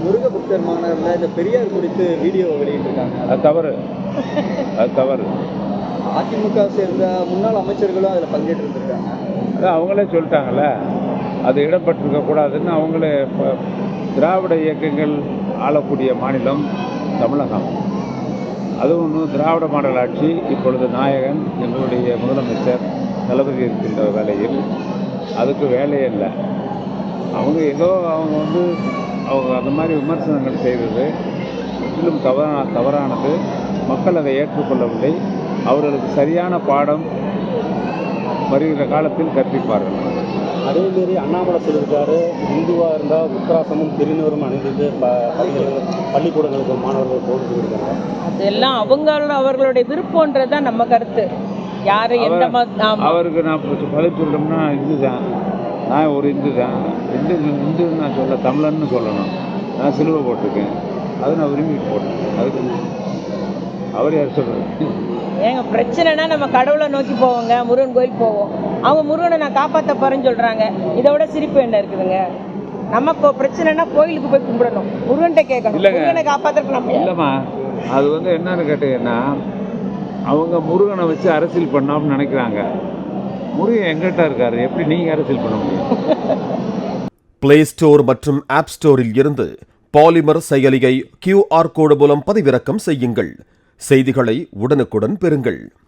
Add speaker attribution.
Speaker 1: முருக பக்தர் மாணவர்கள் இந்த பெரியார் குறித்து வீடியோ வெளியிட்டிருக்காங்க.
Speaker 2: அது தவறு, அது தவறு.
Speaker 1: அதிமுக சேர்ந்த முன்னாள் அமைச்சர்களும் அதில் பங்கேற்றிருக்காங்க.
Speaker 2: அதான் அவங்களே சொல்லிட்டாங்கல்ல, அது இடம்பெற்றிருக்க கூடாதுன்னு. அவங்களே திராவிட இயக்கங்கள் ஆளக்கூடிய மாநிலம் தமிழகம். அதுவும் ஒன்று திராவிட மாடல் ஆட்சி. இப்பொழுது நாயகன் எங்களுடைய முதலமைச்சர் தளபதி இருக்கின்ற வேலையில் அதுக்கு வேலையே இல்லை. அவங்க ஏதோ அவங்க அந்த மாதிரி விமர்சனங்கள் செய்தது முற்றிலும் தவறானது. மக்கள் அதை ஏற்றுக்கொள்ளவில்லை. அவர்களுக்கு சரியான பாடம் வருகிற காலத்தில் கற்பிப்பார்கள்.
Speaker 3: அதேமாரி அண்ணாமலை சொல்லியிருக்காரு, இந்துவாக இருந்தால் உத்தராசமும் திருநூறும் அணிந்து பள்ளிக்கூடங்களுக்கு மாணவர்கள் போட்டு சொல்லியிருக்காங்க.
Speaker 4: அதெல்லாம் அவர்களுடைய விருப்பம்ன்றது தான் நம்ம கருத்து. யாரு எந்த
Speaker 2: அவருக்கு நான் பதில் சொல்லணும்னா இந்து தான், நான் ஒரு இந்து தான். இந்துன்னு நான் சொல்ல தமிழன்னு சொல்லணும். நான் சிலுவை போட்டிருக்கேன், அதை நான் விரும்பிட்டு போட்டேன். அதுக்கு அவர் யார் சொல்கிறது?
Speaker 4: ஏங்க பிரச்சனைனா நம்ம கடவுளை நோக்கி போவோங்க, முருகன் கோயில் போவோம். அவங்க முருகனை நான் காப்பாற்ற போறேன்னு சொல்றாங்க. இதை விட சிரிப்பு என்ன இருக்குதுங்க? நமக்கு பிரச்சனைனா கோயிலுக்கு போய் கும்பிடணும், முருகன்கிட்ட கேட்கணும். முருகனை காப்பாற்றுறதுக்கு நம்ம
Speaker 2: இல்லைம்மா. அது என்னன்னு கேட்டீங்கன்னா, அவங்க முருகனை வச்சு அரசியல் பண்ணோம்னு நினைக்கிறாங்க. முருகன் எங்கிட்ட இருக்காரு, எப்படி நீங்க அரசியல் பண்ண முடியும்?
Speaker 5: பிளே ஸ்டோர் மற்றும் ஆப் ஸ்டோரில் இருந்து பாலிமர் செயலியை QR கோடு மூலம் பதிவிறக்கம் செய்யுங்கள். செய்திகளை உடனுக்குடன் பெறுங்கள்.